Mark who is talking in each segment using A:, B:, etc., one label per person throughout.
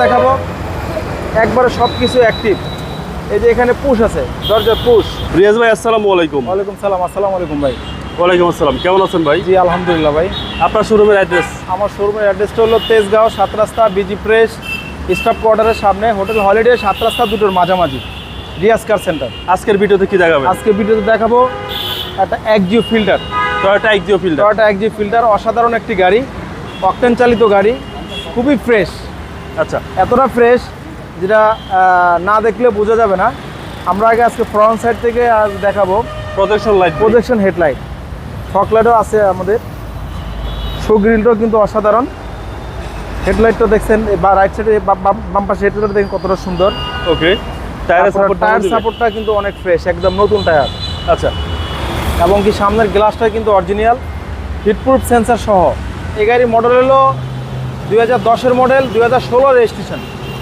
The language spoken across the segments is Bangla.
A: দেখাবো একবারে সব কিছু অ্যাক্টিভ। এই যে এখানে পুশ আছে, দরজার পুশ।
B: রিয়াজ ভাই আসসালামু আলাইকুম।
A: ওয়ালাইকুম সালাম। আসসালামু আলাইকুম ভাই।
B: ওয়ালাইকুম আসসালাম, কেমন আছেন ভাই?
A: জি আলহামদুলিল্লাহ ভাই।
B: আপনার শোরুমের অ্যাড্রেস?
A: আমার শোরুমের অ্যাড্রেসটা হলো তেজগাঁও 7 রাস্তা বিজি প্রেস স্টাফ কোয়ার্টারের সামনে, হোটেল হলিডে 7 রাস্তা দুটোর মাঝামাঝি, রিয়াজ কার সেন্টার।
B: আজকের ভিডিওতে কি দেখাবেন?
A: আজকে ভিডিওতে দেখাবো একটা Axio Fielder,
B: Toyota Axio Fielder.
A: Toyota Axio Fielder অসাধারণ একটি গাড়ি, অকটেন চালিত গাড়ি, খুবই ফ্রেশ।
B: আচ্ছা,
A: এতটা ফ্রেশ যেটা না দেখলে বোঝা যাবে না। আমরা আগে আজকে ফ্রন্ট সাইড থেকে দেখাবো
B: projection light,
A: projection headlight, fog লাইটও আছে আমাদের, শো গ্রিলটাও কিন্তু অসাধারণ। হেডলাইটটা দেখছেন বা রাইট সাইডে বাম পাশে হেডলাইটটা দেখেন কতটা সুন্দর।
B: ওকে। টায়ার
A: সাপোর্টটা কিন্তু অনেক ফ্রেশ, একদম নতুন টায়ার।
B: আচ্ছা,
A: এবং কি সামনের গ্লাসটা কিন্তু অরিজিনাল, হিটপ্রুফ সেন্সার সহ। এই গাড়ির মডেল হলো 2010-এর মডেল, 2016 রেজিস্ট্রেশন।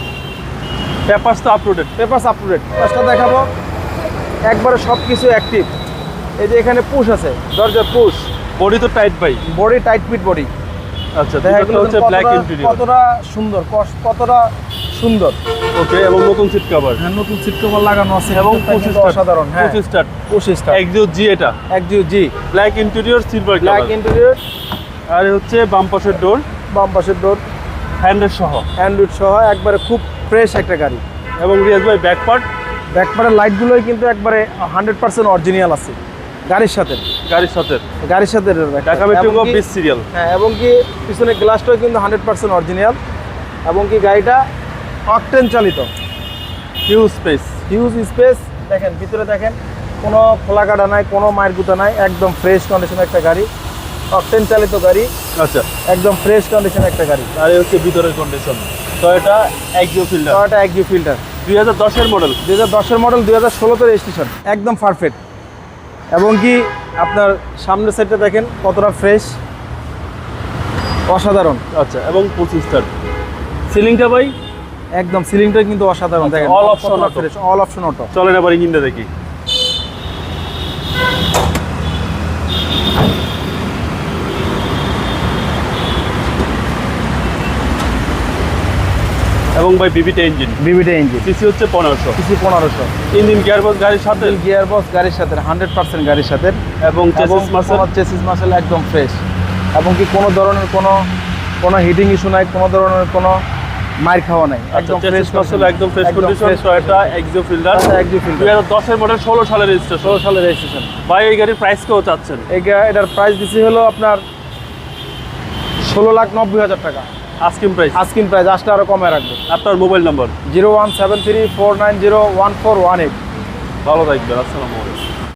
B: পেপারস তো আপলোডেড।
A: Papers up to date. ফার্স্টটা দেখাবো একবারে সব কিছু অ্যাক্টিভ। এই যে এখানে পুশ আছে, দরজার পুশ।
B: বডি তো টাইট ভাই।
A: Body tight fit body.
B: আচ্ছা,
A: দেখা
B: এটা হচ্ছে ব্ল্যাক ইন্টেরিয়র।
A: কতটা সুন্দর, কতটা সুন্দর।
B: ওকে, এবং নতুন সিট কভার।
A: হ্যাঁ, নতুন সিট কভার লাগানো আছে
B: এবং
A: অসাধারণ। হ্যাঁ,
B: 25 স্টার্ট।
A: 25 স্টার
B: এক্সিও জি, এটা
A: Axio G,
B: black interior, silver
A: black
B: colour.
A: Interior.
B: আর হচ্ছে বাম পাশের ডোর,
A: বাম পাশের ডোর,
B: হ্যান্ডেল সহ,
A: অ্যান্ড্রয়েড সহ, একবারে খুব ফ্রেশ একটা গাড়ি।
B: এবং রিয়াজ ভাই ব্যাক পার্ট,
A: ব্যাকপারের লাইটগুলোই কিন্তু একবারে 100% অরিজিনাল আছে গাড়ির সাথে। গাড়ির সাথে
B: ঢাকা মেট্রো 20 সিরিয়াল।
A: হ্যাঁ, এবং কি পিছনে গ্লাসটাও কিন্তু 100% অরিজিনাল। এবং কি গাড়িটা অকটেন চালিত,
B: হিউজ স্পেস।
A: Huge space. দেখেন ভিতরে, দেখেন কোনো খোলা কাটা নাই, কোনো মায়ের গুঁতা নাই, একদম ফ্রেশ কন্ডিশনের একটা গাড়ি, অকটেন চালিত গাড়ি,
B: আচ্ছা,
A: একদম ফ্রেশ কন্ডিশনের একটা গাড়ি।
B: আর এই হচ্ছে ভিতরের condition. Toyota Axio Fielder,
A: Toyota Axio Fielder
B: 2010-এর মডেল।
A: 2010-এর মডেল, 2016-তে রেজিস্ট্রেশন, একদম পারফেক্ট। এবং কি আপনার সামনের সাইডটা দেখেন কতটা ফ্রেশ, অসাধারণ।
B: আচ্ছা, এবং 25 স্টার। সিলিংটা ভাই
A: একদম, সিলিংটা কিন্তু অসাধারণ। দেখেন
B: all option auto।
A: Fresh, all option auto.
B: চলেন আবার ইঞ্জিনটা দেখি। এবং ভাই বিবিটা ইঞ্জিন,
A: বিবিটা ইঞ্জিন,
B: সিসি হচ্ছে 1500,
A: সিসি 1500।
B: ইঞ্জিন গিয়ারবক্স গাড়ির সাথে,
A: গিয়ার বক্স গাড়ির সাথে 100% গাড়ির সাথে।
B: এবং চেসিস মাসেল,
A: চেসিস মাসেল একদম ফ্রেশ। এবং কি কোনো ধরনের কোনো হিটিং ইস্যু নাই, কোনো ধরনের কোনো মার খাওয়া নাই, একদম ফ্রেশ মাসেল,
B: একদম fresh condition. Toyota Axio Fielder,
A: Axio Fielder
B: 2010-এর মডেল, 16 সালের রেজিস্ট্রেশন।
A: 16 সালের রেজিস্ট্রেশন।
B: ভাই এই গাড়ির প্রাইস কেউ চাচ্ছেন?
A: এটার প্রাইস দিছি হলো আপনার 16,90,000 টাকা।
B: Asking price.
A: আস্কিং প্রাইস, আসলে আরো কমে রাখবো।
B: আপনার মোবাইল নাম্বার?
A: 017349014118।
B: ভালো থাকবেন, আসসালামু আলাইকুম।